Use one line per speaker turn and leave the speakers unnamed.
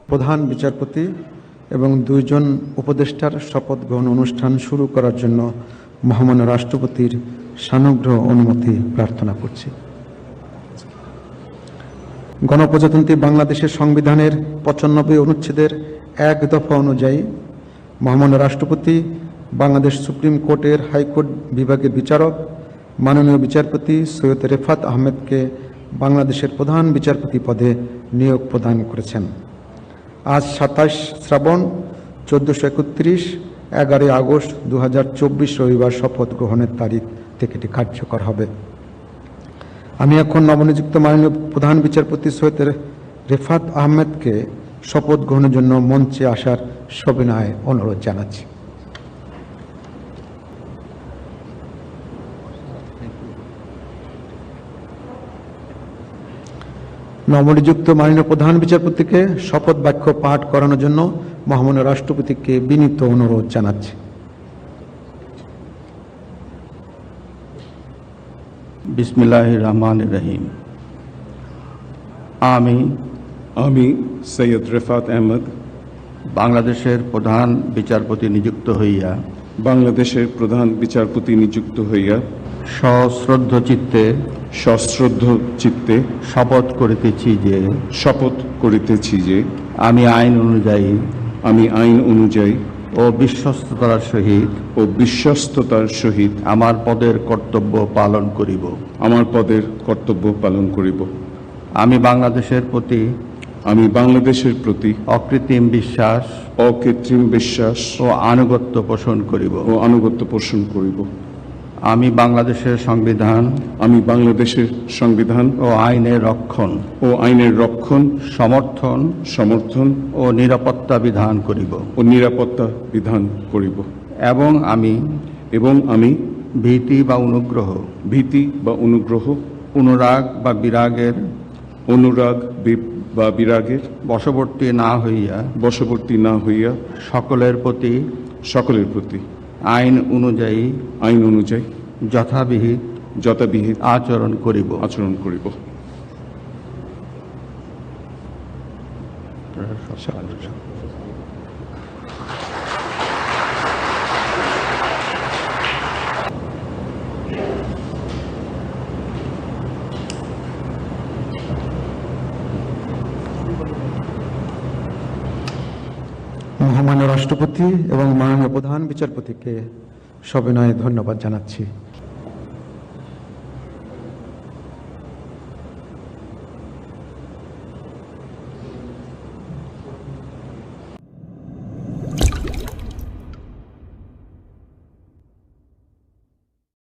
প্রধান বিচারপতি এবং 2 জন উপদেষ্টার শপথ গ্রহণ অনুষ্ঠান শুরু করার জন্য মহামান্য রাষ্ট্রপতির সানুগ্রহ অনুমতি প্রার্থনা করছি। গণপ্রজাতন্ত্রী বাংলাদেশের সংবিধানের 95 অনুচ্ছেদের 1 দফা অনুযায়ী মহামান্য রাষ্ট্রপতি বাংলাদেশ সুপ্রিম কোর্টের হাইকোর্ট বিভাগের বিচারক মাননীয় বিচারপতি সৈয়দ রেফাত আহমেদকে বাংলাদেশের প্রধান বিচারপতি পদে নিয়োগ প্রদান করেছেন। আজ 27 শ্রাবণ 1431 11 আগস্ট 2024 রবিবার শপথ গ্রহণের তারিখ থেকে এটি কার্যকর হবে। আমি এখন নবনিযুক্ত মাননীয় প্রধান বিচারপতি সৈয়দ রেফাত আহমেদকে শপথ গ্রহণের জন্য মঞ্চে আসার সবিনয়ে অনুরোধ জানাচ্ছি। নবনিযুক্ত মাননীয় প্রধান বিচারপতিকে শপথ বাক্য পাঠ করানোর জন্য মহামান্য রাষ্ট্রপতিকে বিনীত অনুরোধ জানাচ্ছি।
বিসমিল্লাহির রহমানির রহিম। আমি
সৈয়দ রেফাত আহমেদ
বাংলাদেশের প্রধান বিচারপতি নিযুক্ত হইয়া সশ্রদ্ধ চিত্তে শপথ করিতেছি যে আমি আইন অনুযায়ী ও বিশ্বস্ততার সহিত আমার পদের কর্তব্য পালন করিব। আমি বাংলাদেশের প্রতি অকৃত্রিম বিশ্বাস ও আনুগত্য পোষণ করিব। আমি বাংলাদেশের সংবিধান ও আইনের রক্ষণ সমর্থন ও নিরাপত্তা বিধান করিব। এবং আমি ভীতি বা অনুগ্রহ অনুরাগ বা বিরাগের বশবর্তী না হইয়া সকলের প্রতি আইন অনুযায়ী যথাবিহিত আচরণ করিব।
মহামান্য রাষ্ট্রপতি এবং মাননীয় প্রধান বিচারপতিকে সবিনয়ে ধন্যবাদ জানাচ্ছি।